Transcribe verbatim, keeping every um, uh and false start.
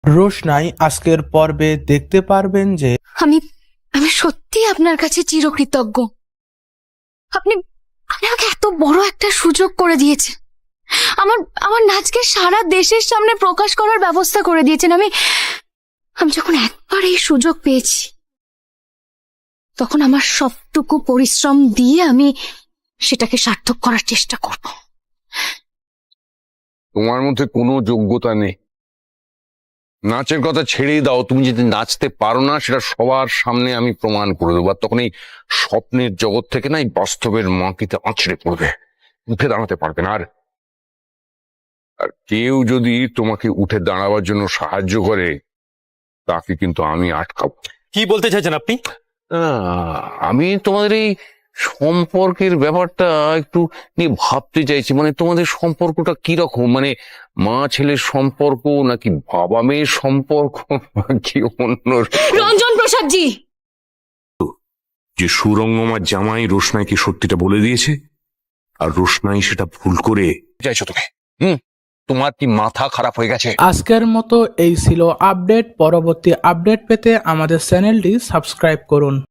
রোশনাই আজকের পর্বে দেখতে পারবেন যে আমি আমি সত্যি আপনার কাছে চিরকৃতজ্ঞ। আপনি আপনি আমাকে এত বড় একটা সুযোগ করে দিয়েছেন। আমার আমার নাচকে সারা দেশের সামনে প্রকাশ করার ব্যবস্থা করে দিয়েছেন। আমি আমি যখন একবার এই সুযোগ পেয়েছি তখন আমার সবটুকু পরিশ্রম দিয়ে আমি সেটাকে সার্থক করার চেষ্টা করব। তোমার মধ্যে কোনো যোগ্যতা নেই। নাচের কথা ছেড়েই দাও, তুমি যদি নাচতে পারো না সেটা সবার সামনে আমি প্রমাণ করে দেবো। আর তখন এই স্বপ্নের জগৎ থেকে না এই বাস্তবের মাটিতে আছড়ে পড়বে, উঠে দাঁড়াতে পারবে না। আর আর কেউ যদি তোমাকে উঠে দাঁড়াবার জন্য সাহায্য করে তাকে কিন্তু আমি আটকাবো। কি বলতে চাইছেন আপনি? আহ, আমি তোমাদের এই সম্পর্কের ব্যাপারটা একটু নিয়ে ভাবতে চাইছি। মানে তোমাদের সম্পর্কটা কিরকম, মানে মা ছেলের সম্পর্ক নাকি বাবা মেয়ের সম্পর্ক নাকি অন্য? রঞ্জন প্রসাদ জি, যে সুরঙ্গমার জামাই রোশনাইকে সত্যিটা বলে দিয়েছে, আর রোশনাই সেটা ভুল করে চাইছো তুমি? হুম, তোমার কি মাথা খারাপ হয়ে গেছে? আজকের মতো এই ছিল আপডেট। পরবর্তী আপডেট পেতে আমাদের চ্যানেলটি সাবস্ক্রাইব করুন।